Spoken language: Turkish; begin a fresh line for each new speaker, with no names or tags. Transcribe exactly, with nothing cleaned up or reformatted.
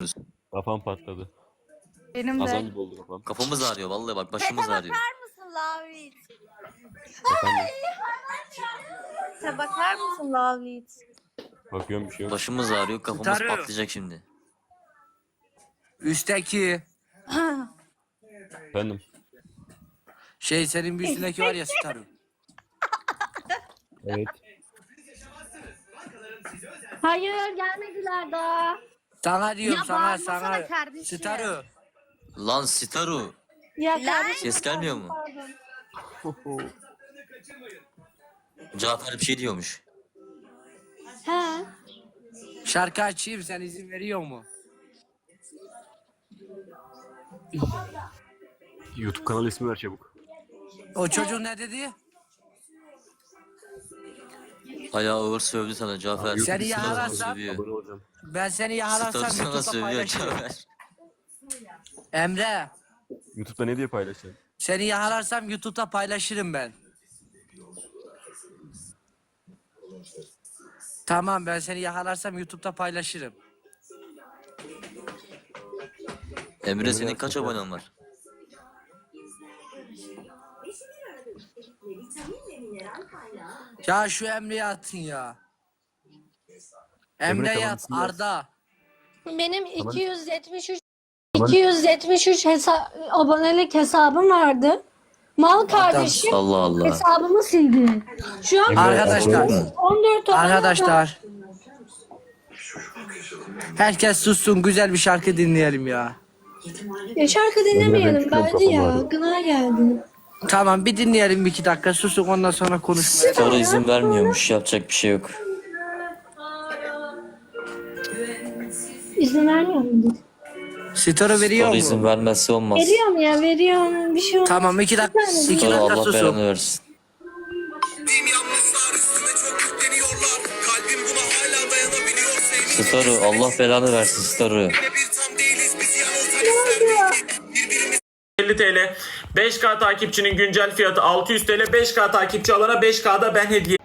Kafam patladı.
Benim
Azam
de.
gibi oldu kafam.
Kafamız ağrıyor vallahi bak başımız
Tete
ağrıyor.
bakar mısın Lavlit?
Efendim,
Tete bakar mısın Lavlit?
bakıyorum bir şey yok.
Başımız ağrıyor kafamız
Starıyor.
patlayacak şimdi.
Üstteki
Efendim,
şey senin bir üstündeki var ya Staru.
evet.
Hayır gelmediler daha.
Sana diyorum
Ya
sana
bağırmasana
sana.
kardeşim.
Staru.
Lan Staru.
Ya
Lan!
kardeşim,
Ses gelmiyor mu?
pardon.
Cafer bir şey diyormuş.
He.
Şarkı açayım sen izin veriyor mu?
YouTube kanal ismi ver çabuk.
O çocuk ne dedi?
Bayağı ağır sövdü sana Cafer.
Seni
Staru sana
yararsam-
sövüyor.
Abone olacağım.
Ben seni
Staru
yakalarsam
sana
YouTube'da
sövüyor
paylaşırım.
Cafer.
Emre
YouTube'da ne diye paylaşacaksın?
seni yakalarsam YouTube'da paylaşırım ben. Tamam ben seni yakalarsam YouTube'da paylaşırım.
Emre senin kaç abonen var?
Ya şu Emre'yi atın ya. Emre'yi
tamam,
at
isim yaz.
Arda.
Benim iki yüz yetmiş üç iki yüz yetmiş üç hesa abonelik hesabım vardı. Mal kardeşim
Allah Allah.
hesabımı sildi. Şu an
Emre,
Arkadaşlar.
abone ol.
on dört abone var.
Arkadaşlar. Herkes sussun güzel bir şarkı dinleyelim ya.
Ya şarkı
Emre, ben
dinlemeyelim
çıkıyorum,
bence ya.
kafam ağrıyor.
Gına geldi.
Tamam bir dinleyelim bir iki dakika susun ondan sonra konuşmaya.
Staru izin vermiyormuş yapacak bir şey yok.
İzin vermiyor mu?
Story veriyor
Staru izin
mu?
vermezse olmaz.
Veriyorum ya veriyorum. Bir şey olmaz.
Tamam iki dakika iki
Staru
dakika
Allah
susun.
belanı versin.
Ettiğim yanlışlar üstüme çok yükleniyorlar. Kalbim buna hala dayanabiliyor. Sevdiğim
Staru Allah belanı versin Staru.
bir tam değiliz biz yanıltan birbirimizi
elli TL. beş K takipçinin güncel fiyatı altı yüz TL. beş K takipçi alana beş K'da ben hediye